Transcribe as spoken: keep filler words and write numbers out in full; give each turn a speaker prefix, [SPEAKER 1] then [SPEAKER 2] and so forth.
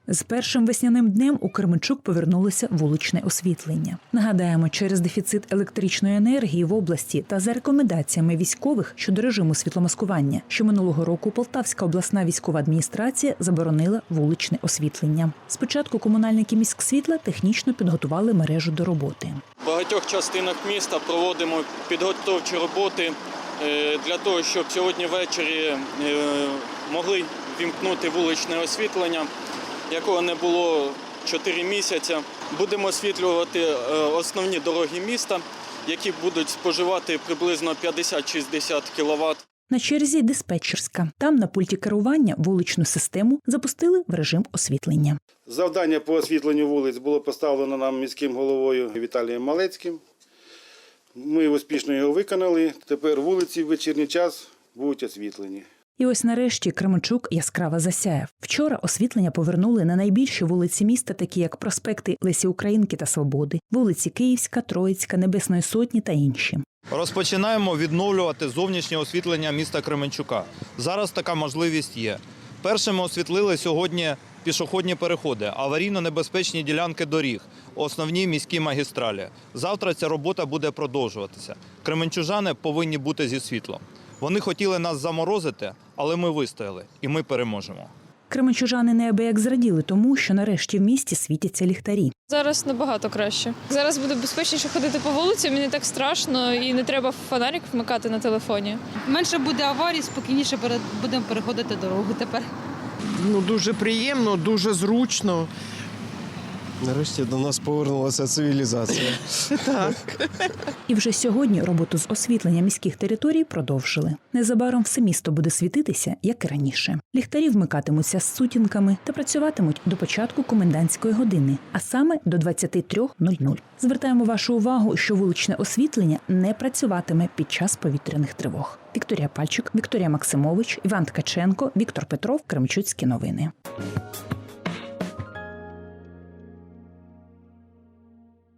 [SPEAKER 1] З першим весняним днем у Кременчук повернулося вуличне освітлення. Нагадаємо, через дефіцит електричної енергії в області та за рекомендаціями військових щодо режиму світломаскування, що минулого року Полтавська обласна військова адміністрація заборонила вуличне освітлення. Спочатку комунальники міськсвітла технічно підготували мережу до роботи.
[SPEAKER 2] В багатьох частинах міста проводимо підготовчі роботи для того, щоб сьогодні ввечері могли вімкнути вуличне освітлення, якого не було чотири місяці. Будемо освітлювати основні дороги міста, які будуть споживати приблизно п'ятдесят-шістдесят кіловат.
[SPEAKER 1] На черзі диспетчерська. Там на пульті керування вуличну систему запустили в режим освітлення.
[SPEAKER 3] Завдання по освітленню вулиць було поставлено нам міським головою Віталієм Малецьким. Ми успішно його виконали. Тепер вулиці в вечірній час будуть освітлені.
[SPEAKER 1] І ось нарешті Кременчук яскраво засяяв. Вчора освітлення повернули на найбільші вулиці міста, такі як проспекти Лесі Українки та Свободи, вулиці Київська, Троїцька, Небесної Сотні та інші.
[SPEAKER 4] Розпочинаємо відновлювати зовнішнє освітлення міста Кременчука. Зараз така можливість є. Першими освітлили сьогодні пішохідні переходи, аварійно-небезпечні ділянки доріг, основні міські магістралі. Завтра ця робота буде продовжуватися. Кременчужани повинні бути зі світлом. Вони хотіли нас заморозити, але ми вистояли і ми переможемо.
[SPEAKER 1] Кременчужани неабияк зраділи тому, що нарешті в місті світяться ліхтарі.
[SPEAKER 5] Зараз набагато краще. Зараз буде безпечніше ходити по вулиці, мені так страшно і не треба фонарик вмикати на телефоні.
[SPEAKER 6] Менше буде аварій, спокійніше будемо переходити дорогу тепер.
[SPEAKER 7] Ну, дуже приємно, дуже зручно.
[SPEAKER 8] Нарешті до нас повернулася цивілізація.
[SPEAKER 7] Так.
[SPEAKER 1] І вже сьогодні роботу з освітлення міських територій продовжили. Незабаром все місто буде світитися, як і раніше. Ліхтарі вмикатимуться з сутінками та працюватимуть до початку комендантської години, а саме до двадцяти трьох нуль-нуль. Звертаємо вашу увагу, що вуличне освітлення не працюватиме під час повітряних тривог. Вікторія Пальчик, Вікторія Максимович, Іван Ткаченко, Віктор Петров, Кременчуцькі новини.